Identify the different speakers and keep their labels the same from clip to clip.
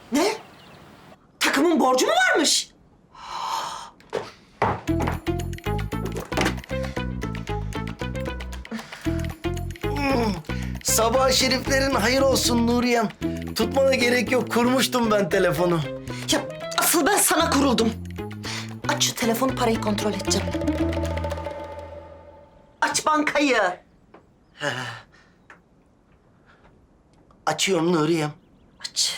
Speaker 1: Ne? Takımın borcu mu varmış?
Speaker 2: Sabah şeriflerin hayır olsun Nuriyem. Tutmana gerek yok. Kurmuştum ben telefonu.
Speaker 1: Ya asıl ben sana kuruldum. Aç şu telefonu, parayı kontrol edeceğim. Aç bankayı.
Speaker 2: Açıyorum Nuriyem.
Speaker 1: Aç.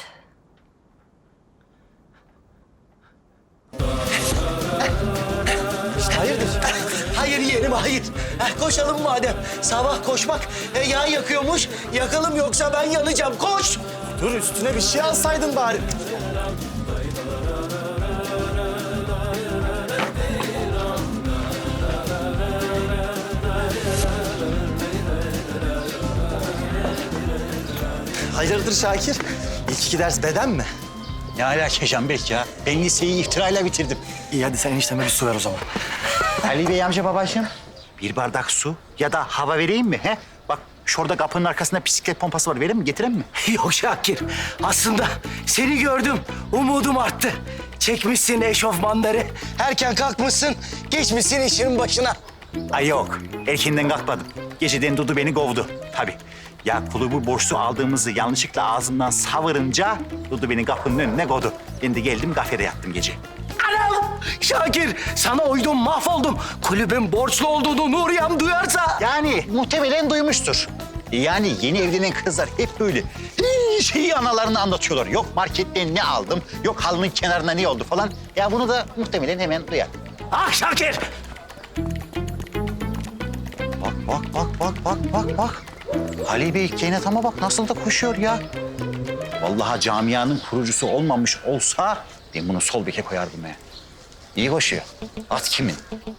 Speaker 2: Hayırdır? Hayır yeğenim, hayır. Koşalım madem. Sabah koşmak yağ yakıyormuş. Yakalım yoksa ben yanacağım. Koş!
Speaker 3: Dur üstüne bir şey alsaydın bari. Hayırdır Şakir? İlk iki ders beden mi?
Speaker 4: Ne alaka Canberk ya? Ben liseyi iftirayla bitirdim.
Speaker 3: İyi hadi sen enişteme bir su ver o zaman.
Speaker 4: Ali Bey amca babacığım. Bir bardak su ya da hava vereyim mi? He? Bak şurada kapının arkasında bisiklet pompası var. Vereyim mi? Getireyim mi?
Speaker 2: Yok Şakir. Aslında seni gördüm. Umudum arttı. Çekmişsin eşofmanları. Erken kalkmışsın. Geçmişsin işinin başına.
Speaker 4: Ay yok. Erkenden kalkmadım. Geceden Dudu beni kovdu. Tabii. Ya kulübü borçlu aldığımızı yanlışlıkla ağzımdan savırınca Dudu beni kapının önüne koydu. Ben de geldim kafede yattım gece.
Speaker 2: Anam! Şakir, sana uydum, mahvoldum. Kulübün borçlu olduğunu Nuriyem duyarsa...
Speaker 4: Yani muhtemelen duymuştur. Yani yeni evlenen kızlar hep böyle her şeyi analarına anlatıyorlar. Yok marketten ne aldım, yok halının kenarına ne oldu falan. Ya bunu da muhtemelen hemen duyar.
Speaker 2: Ah Şakir!
Speaker 4: Bak. Ali Bey Keynatama bak nasıl da koşuyor ya. Vallahi camianın kurucusu olmamış olsa ben bunu sol beke koyardım ya. İyi koşuyor. At kimin?